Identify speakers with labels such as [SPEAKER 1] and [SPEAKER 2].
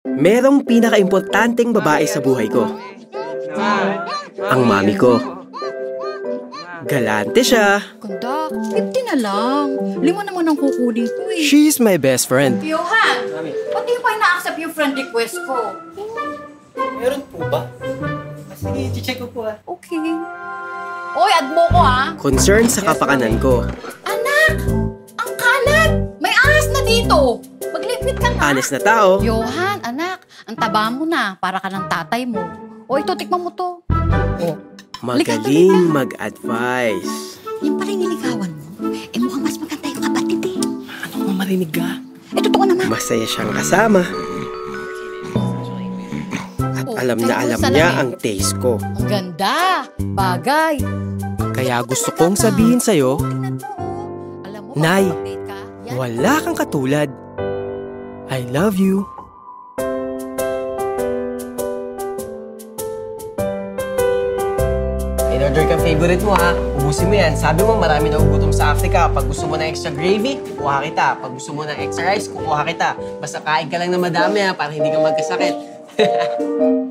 [SPEAKER 1] Merong pinaka-importanteng babae sa buhay ko. Ang mami ko. Galante siya.
[SPEAKER 2] Ganda, 50 na lang. 5 naman ang kukunin ko eh.
[SPEAKER 1] She's my best friend.
[SPEAKER 2] Johan, ba't di pa ina-accept yung friend request ko?
[SPEAKER 3] Meron po ba? Sige, i-check ko po
[SPEAKER 2] Okay. Oy, add mo ko ha.
[SPEAKER 1] Concern sa kapakanan ko.
[SPEAKER 2] Anak! Ang kalat! May ahas na dito! Maglipit ka na.
[SPEAKER 1] Honest na tao.
[SPEAKER 2] Johan, anak, ang taba mo na. Para ka ng tatay mo. O, ito, tikman mo to.
[SPEAKER 1] Magaling mag-advise.
[SPEAKER 2] Yung pala yung niligawan mo, mukhang mas maganda yung kapatid eh.
[SPEAKER 3] Ano mo marinig ka?
[SPEAKER 2] Totoo naman.
[SPEAKER 1] Masaya siyang kasama. At alam na alam niya ang taste ko.
[SPEAKER 2] Ang ganda! Bagay!
[SPEAKER 1] Kaya gusto kong sabihin sa'yo,
[SPEAKER 2] Tingnan mo, alam mo,
[SPEAKER 1] Nay,
[SPEAKER 2] update ka. Yan.
[SPEAKER 1] wala kang katulad. I love you.
[SPEAKER 3] In-order kang favorite mo ha. Ubusin mo yan. Sabi mo marami na ugutom sa Africa. Pag gusto mo ng extra gravy, kukuha kita. Pag gusto mo ng extra rice, kukuha kita. Basta kain ka lang na madami ha, para hindi ka magkasakit.